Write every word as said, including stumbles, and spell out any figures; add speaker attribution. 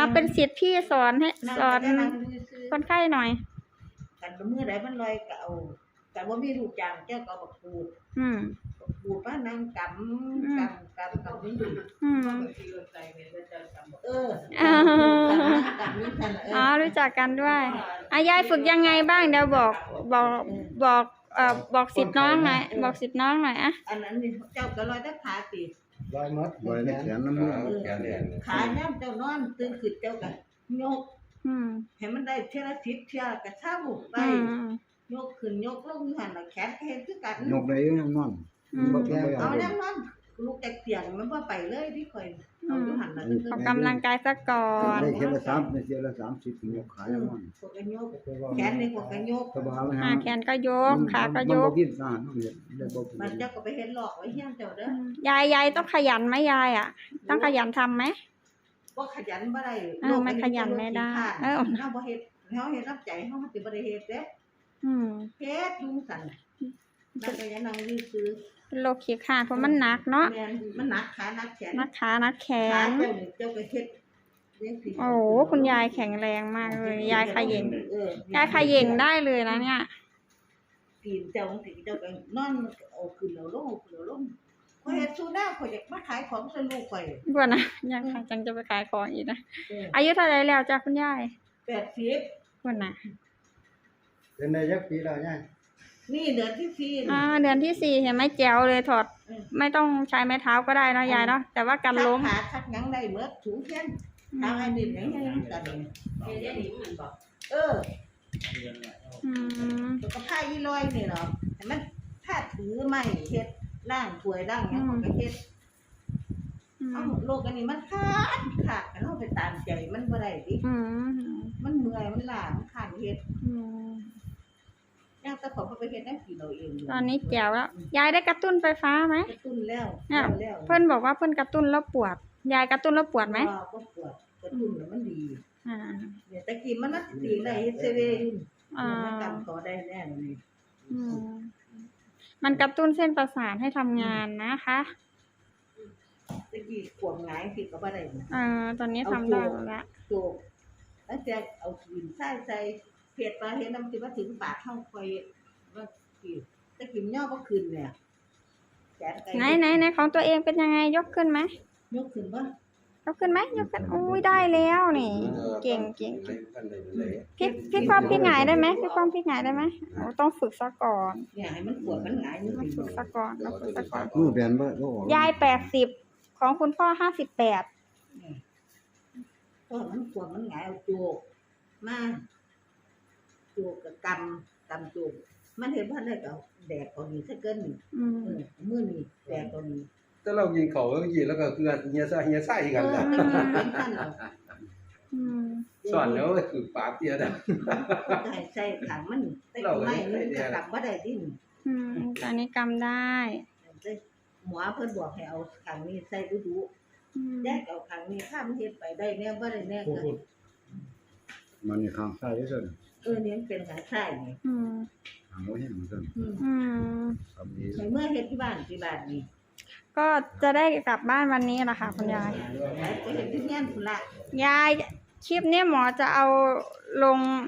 Speaker 1: เป็นศิษย์พี่สอนให้สอนคนไข้หน่อย
Speaker 2: กันเมื่อใดมันลอยก็เอาแต่ว่ามีลูกจางเจ้าก็บอกปูด
Speaker 1: อืม
Speaker 2: ปูดป้านางกำกำกำกำนี่ดู
Speaker 1: อืม
Speaker 2: เออ
Speaker 1: อ๋อรู้จักกันด้วยอายายฝึกยังไงบ้างเดี๋ยวบอกบอกบอกเอ่อบอกศิษย์น้องหน่อยบอกศิษย์น้องหน่อยอะ
Speaker 2: อันนั้นนี่เจ้าก็ลอยได้ขาตี
Speaker 3: ลอยมัดลอยในแขนน้ำมือ
Speaker 2: ขาย่ำเจ้านอนตื่นขึ้นเจ้ากันยกให้มันได้เท่าไรทิศเท่ากระช่าบุกไปยกขึ้นยกลงหันแขนเห็นคือกัน
Speaker 3: ยกได้ยังนอน
Speaker 2: เอาแล้วนอนลูกแตกเสียงมันว่าไปเลยที่คอยเอาอยู่หันนะ
Speaker 1: ออกกำลังกายซะก่อน
Speaker 3: ได้เท่าละสามได้เท่าละสามสิบยกขาแล้วนอน
Speaker 2: แขนในพวกกันยก
Speaker 1: ขาแขนก็ยกขาก็ยก
Speaker 2: มันเจ้าก็ไปเห็นหลอกไว้เฮี้ยงเจ้าเด้อย
Speaker 1: ายยายต้องขยันไหมยายอ่ะต้องขยันทำไหม
Speaker 2: ว่าขยันบ่ได้
Speaker 1: โลกไม่ขยันไม่ได้เออ
Speaker 2: เฮาบ่เฮ็ดเฮาเฮ็ดรับใจเฮาสิบ่ได้เฮ็ดเด้
Speaker 1: อืม
Speaker 2: เฮ็ดยุงสั่นนั่นก็ยังนั่งยื้อซื้อ
Speaker 1: เป็นโรคขี้ขาเพราะมันหนักเนาะ
Speaker 2: มันหนักขาหนักแขน
Speaker 1: หนักขาหนักแขน
Speaker 2: เจ้าก็เฮ็ด
Speaker 1: โอ้คุณยายแข็งแรงมากเลยยายขย่งยายขย่งได้เลยนะเนี่ย
Speaker 2: กินเจ้าสิเจ้าก็นอนเอาขึ้นแล้วลงขึ้นแล้วลงข่อยเฮ็ดสู้หน้าข่อยอยากมาขายของใส่ลูกข่อย
Speaker 1: บ่นะยังค่ะจังจะไปขายของอีกนะอายุเท่าไหร่แล้วจ้ะคุณยาย
Speaker 2: แปดสิบ
Speaker 1: บ่นะ
Speaker 3: เป็นได้จักปีแล้วยาย
Speaker 2: นี่เดือนที่สี่
Speaker 1: อ่าเดือนที่สี่เห็นไหมแจ๋วเลยถอดไม่ต้องใช้ไม้เท้าก็ได้เนาะยายเนาะแต่ว่ากันล้ม
Speaker 2: ขาทักหยังได้เบิดถูแขนทางไอ้นี่หยังยังกันเฮ็ดได้ดีมันบ่เออ
Speaker 1: อืม
Speaker 2: ก็พาอีลอยนี่เนาะให้มันถ้าถือไม้เฮ็ดล้างถ้วยล้างหยังก็เฮ็ดเอาโลกอันนี้มันขาดขาดกันเฮาไปตามใจมันบ่ได้ดิ
Speaker 1: อืม
Speaker 2: มันเมื่อยมันล้ามันข้านเฮ็ด
Speaker 1: อืม
Speaker 2: ยังแต่ผมไปเฮ็ดได้กี่เราเอง
Speaker 1: ตอนนี้แจ๋วแล้วยายได้กระตุ้นไฟฟ้าไหม
Speaker 2: กระตุ้นแล้ว
Speaker 1: เนี่ยเพิ่นบอกว่าเพิ่นกระตุ้นแล้วปวดยายกระตุ้นแล้วปวดไหม
Speaker 2: ก็ปวดกระตุ้นแล้วมันดี
Speaker 1: อ่า
Speaker 2: เนี่ยตะกี้มันนัดตีได้เฮ็ดเซเว่นอ่ามันกำต่อได้แน่นี่
Speaker 1: อืมมันกระตุ้นเส้นประสาทให้ทำงานนะคะ
Speaker 2: ตะกี้ขวบหงายสิก็บ่ได้
Speaker 1: อ่าตอนนี้ทำได้แล้ว
Speaker 2: โจกแล้วจะเอาหินใส่ใส่เผ็ดปลาเฮ็ดน้ำสิว่าถึงปากเฮาค่อยว่าสิตะกี้ย่อบ่ขึ้นเนี่ย
Speaker 1: ไหนไหนไหนของตัวเองเป็นยังไงยกขึ้นไหม
Speaker 2: ยกขึ้นป่ะ
Speaker 1: ยกขึ้นไหมยกขึ้นอุ้ยได้แล้วนี่เก่งเก่งพี่พี่ความพี่หงายได้ไหมพี่ความพี่หงายได้ไหมโอ้ต้องฝึกซะก่อน
Speaker 2: เนี่ยให้มันปวดมันหงายมัน
Speaker 1: ฝึกซะก่อนเราฝึกซะก่อน
Speaker 3: มือแบนบ่
Speaker 1: ยายแปดสิบของคุณพ่อห้าสิบแปด
Speaker 2: ก็มันปวดมันหงายเอาโจกมาโจกกับกำกำโจกมันเห็นว่าได้ก็แดกเอานี่ซะเกินนี่เออมื้อนี้แดกเอานี่
Speaker 4: ถ้าเรากินเขาแล้วกินแล้วก็คือเฮียซ่าเฮียซ่าอีกกันล่ะ
Speaker 1: อืม
Speaker 4: สอนแล้วคือปากเตี้ยนะ
Speaker 2: ได้ใส่ถังมันได้ไม่มันก็กำบ่ได้ดิ
Speaker 1: อืมตอนนี้กำได้
Speaker 2: หมอเพิ่นบอกให้เอาถังนี้ใส่ดูๆแยกเอาถังนี้ข้ามเฮ็ดไปได้แน่บ่ได้แน่ก็
Speaker 3: มันนี่ข้างซ้ายที่สุด
Speaker 2: เออนี่เป็นข้างซ้ายนี่
Speaker 1: อืม
Speaker 3: เอาไว้ให้มันซั่น
Speaker 1: อืม
Speaker 2: เมื่อเฮ็ดที่บ้านที่บ้านนี่
Speaker 1: ก็จะได้กลับบ้านวันนี้แหละค่ะคุณยาย
Speaker 2: ไปเฮ็ดที่เฮียนพุ่นล่ะ
Speaker 1: ยายคลิปนี้หมอจะเอาลง